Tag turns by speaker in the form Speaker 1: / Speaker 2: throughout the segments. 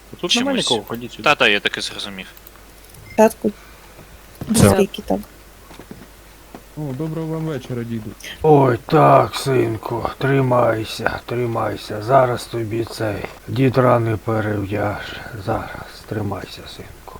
Speaker 1: Тут
Speaker 2: Чимось.
Speaker 1: немає нікого, ходіть сюди.
Speaker 2: Та-та, я таки зрозумів.
Speaker 3: Татку. Скільки там?
Speaker 4: О, доброго вам вечора, діду.
Speaker 5: Ой, так, синку, тримайся. Зараз тобі цей дід рани перев'яже. Зараз, тримайся, синку.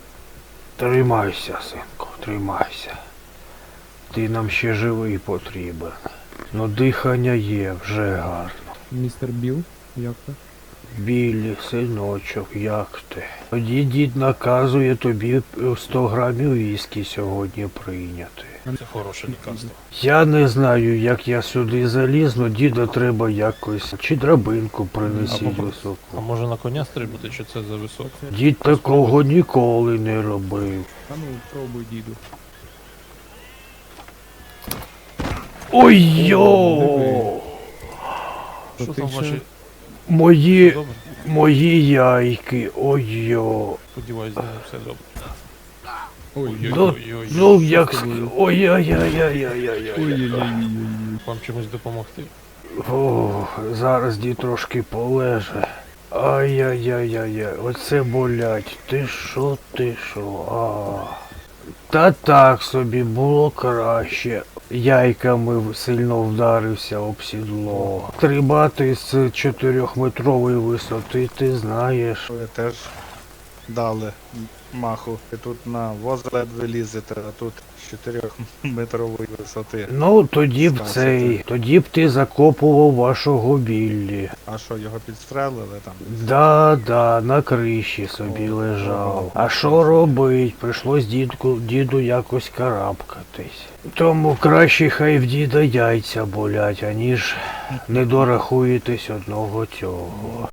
Speaker 5: Тримайся. Ти нам ще живий потрібен. Ну, дихання є, вже гарно.
Speaker 4: Містер Біл, як ви?
Speaker 5: Біллі, синочок, як ти? Тоді дід наказує тобі 100 грамів віскі сьогодні прийняти.
Speaker 1: Це хороше лікарство.
Speaker 5: Я не знаю, як я сюди заліз, но діда треба якось. Чи драбинку принесіть
Speaker 1: А
Speaker 5: високу.
Speaker 1: може на коня стрибнути, чи це за високо?
Speaker 5: Дід такого ніколи не робив.
Speaker 4: А ну, пробуй, діду.
Speaker 5: Ой-йо!
Speaker 4: То
Speaker 1: Що
Speaker 4: ти
Speaker 1: там
Speaker 4: ще-
Speaker 1: ваші?
Speaker 5: Мої,
Speaker 1: Добре?
Speaker 5: мої яйки, ой-йо.
Speaker 1: Сподіваюсь, з ними все добре.
Speaker 4: Ой,
Speaker 1: Ой-ой-ой.
Speaker 5: Ну, як
Speaker 4: з тобою?
Speaker 5: ой-ой-ой-ой-ой-ой.
Speaker 4: ой-ой-ой.
Speaker 1: Вам чимось допомогти?
Speaker 5: О, зараз дід трошки полеже. Ай-яй-яй-яй-яй, оце болять. Ти що? Та так собі було краще. Яйками сильно вдарився об сідло. Стрибати з 4-метрової висоти, ти знаєш.
Speaker 6: Ви теж дали маху. І тут на воз ледве лізете, а тут з 4-метрової висоти.
Speaker 5: Ну, тоді б
Speaker 6: Станція.
Speaker 5: тоді б ти закопував вашого Біллі.
Speaker 6: А що, його підстрелили там?
Speaker 5: Да, на криші собі лежав. А що робить? Прийшлось діду якось карабкатись. Тому краще хай в діда яйця болять, аніж не дорахуєтесь одного цього.